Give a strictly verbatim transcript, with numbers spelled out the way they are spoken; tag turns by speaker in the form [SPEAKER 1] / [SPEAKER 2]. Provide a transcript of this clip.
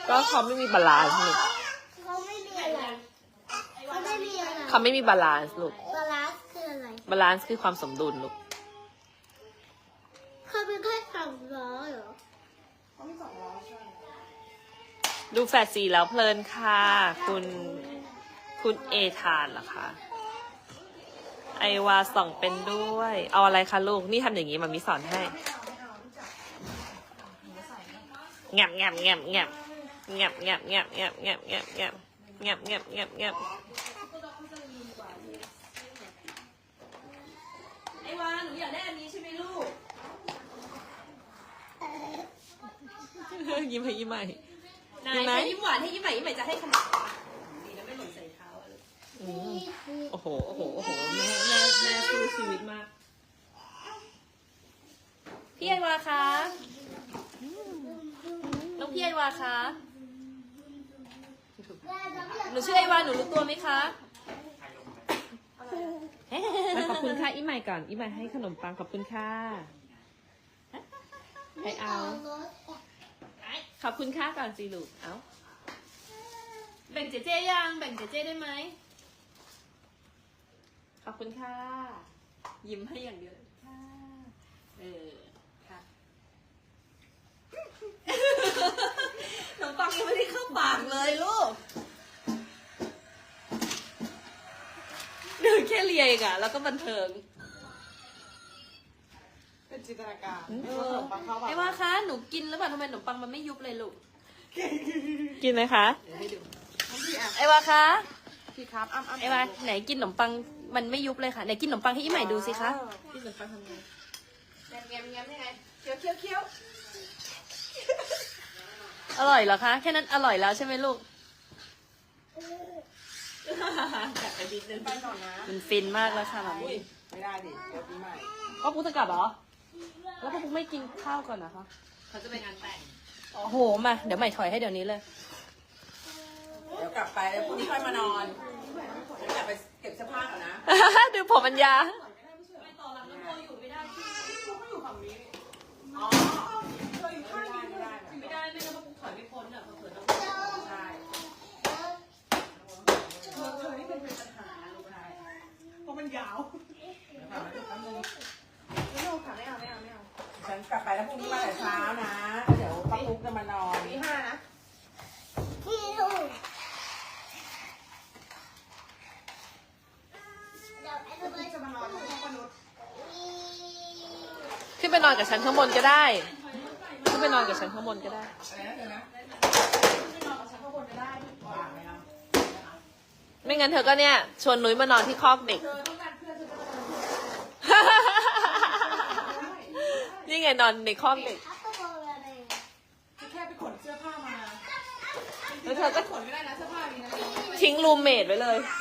[SPEAKER 1] ก็เขาไม่มีบาลานซ์ลูก
[SPEAKER 2] เขาไม่มีอะไรเขาไม่มีอะไร
[SPEAKER 1] เขาไม่มีบาลานซ์ลูก
[SPEAKER 2] บาลานซ์คืออะไร
[SPEAKER 1] บาลานซ์คือความสมดุลลูก
[SPEAKER 2] เขาเป็นแค่สองล้อเหรอ
[SPEAKER 3] เขามีสองล้อใช่
[SPEAKER 1] ดูแฟดซีแล้วเพลินค่ะ คุณคุณเอทานเหรอคะไอวาส่องเป็นด้วย เอาอะไรคะลูกนี่ทำอย่างนี้มันมีสอนให้แงบแงบแงบแงบแงบแงบแงบแงบแงบแงบแงบแงบแงบแงบแงบไอวาหนูอยากได้อันนี้ใช่ไหมลูกยิ้มให้ยิ้มใหม่ยิ้มไหมยิ้มหวานให้ยิ้มใหม่ยิ้มใหม่จะให้ขนมดีนะไม่หล่นใส่เท้าเลยโอ้โหโอ้โหโอ้โหแม่แม่แม่สู้ชีวิตมากพี่ไอวาคะน้องพี่ไอวาคะหนูชื่อไอวาหนูรู้ตัวไหมคะขอบคุณค่ะอีใหม่ก่อนอีใหม่ให้ขนมปังขอบคุณค่ะให้เอาขอบคุณค่ะก่อนสิลูกเอาแบ่งเจเจยังแบ่งเจเจได้ไหมขอบคุณค่ะยิ้มให้อย่างเดียวค่ะเออค่ะขนมปังยังไม่ได้เข้าปากเลยลูกเดินแค่เลียเองอะแล้วก็บันเทิง
[SPEAKER 3] เป็นจินตนาการ
[SPEAKER 1] เอ
[SPEAKER 3] ไม่ว่าข
[SPEAKER 1] อน
[SPEAKER 3] มปังเข้าปาก
[SPEAKER 1] ไอ้ว่าคะหนูกินหรือเปล่าทำไมขนมปังมันไม่ยุบเลยลูกกินไหมคะ
[SPEAKER 3] เดี๋ยวให้ดูน้องพี่อ่ะ
[SPEAKER 1] ไอ้ว่าคะ
[SPEAKER 3] พี่ครับอ้ำอ้ำ
[SPEAKER 1] ไอ้ว่าไหนกินขนมปังมันไม่ยุบเลยค่ะไหนกินขนมปังให้อีใหม่ดูสิคะกินขนมปังทำไง
[SPEAKER 3] แงมแงมแงมยังไงเคี้ยวเคี้ยวเคี้ยว
[SPEAKER 1] อร่อยเหรอคะแค่นั้นอร่อยแล้วใช่ไหมลูกกลับไปดิดนึง
[SPEAKER 3] ไปก่อนนะ
[SPEAKER 1] มันฟินมากแล้วค่ะหมา
[SPEAKER 3] อุ้
[SPEAKER 1] มี่
[SPEAKER 3] ยไม่ได้ดิเดี๋ยวปีใหม่
[SPEAKER 1] พ่อปุ๊กจะกลับเหรอแล้วพ่อปุ๊กไม่กินข้าวก่อนนะคะเขาจะไปงานแต่งโอ้โหมาเดี๋ยวใหม่ถอยให้เดี๋ยวนี้เลย
[SPEAKER 3] เดี๋ยวกลับไปแล้วพรุ่งนี้ค่อยมานอนเดี๋ยวกลับไปเก็บเสื้อผ้าก่อนนะ
[SPEAKER 1] ดูผมอัญญา
[SPEAKER 3] ไม่ต่อหลังน้ำโมอยู่ไม่ได้ที่เขาอยู่ฝั่งนี้อ๋อเธออยู่ข้างนี้ไม่ได้
[SPEAKER 1] ไม่ได้ไม่งั้นพ่อปุ๊กถอยไม่พ้นอ่ะเผื่อต้อง
[SPEAKER 3] ใช่เธอเธอนี่เป็นปัญหาลูกชายเพราะมันยาวไม่เอาค่ะไม่เอาไม่เอาไม่เอาฉันกลับไปแล้วพรุ่งนี้มาแต่เช้านะเดี๋ยวป้าปุ๊กจะมานอนตีห้านะ
[SPEAKER 2] พี่ลูกเดี๋ยวไอ้
[SPEAKER 3] ป้า
[SPEAKER 2] ตัว
[SPEAKER 3] ปุ๊กจะมานอนที่ห้องมนุษย์
[SPEAKER 1] ขึ้นไปนอนกับฉันข้างบนก็ได้ขึ้นไปนอนกับฉันข้างบนก็ได้
[SPEAKER 3] อะไรนะเธอนะไม่นอนกับฉันข้างบนจะได้วางไหมนะ
[SPEAKER 1] ไม่งั้นเธอก็เนี่ยชวนนุ้ยมานอนที่คอกเด็ก
[SPEAKER 3] เธอต้องการเพื่อนเธอจะ
[SPEAKER 1] นี่ไงนอนในคอกเด็ก
[SPEAKER 2] อัปเปอร์อะไร
[SPEAKER 3] แค่ไปขนเสื้อผ้ามา
[SPEAKER 1] แล้วเธอก็
[SPEAKER 3] ขนไม่ได้นะเสื้อผ้ามีนะ
[SPEAKER 1] ทิ้งรูมเมทไว้เลย
[SPEAKER 2] เ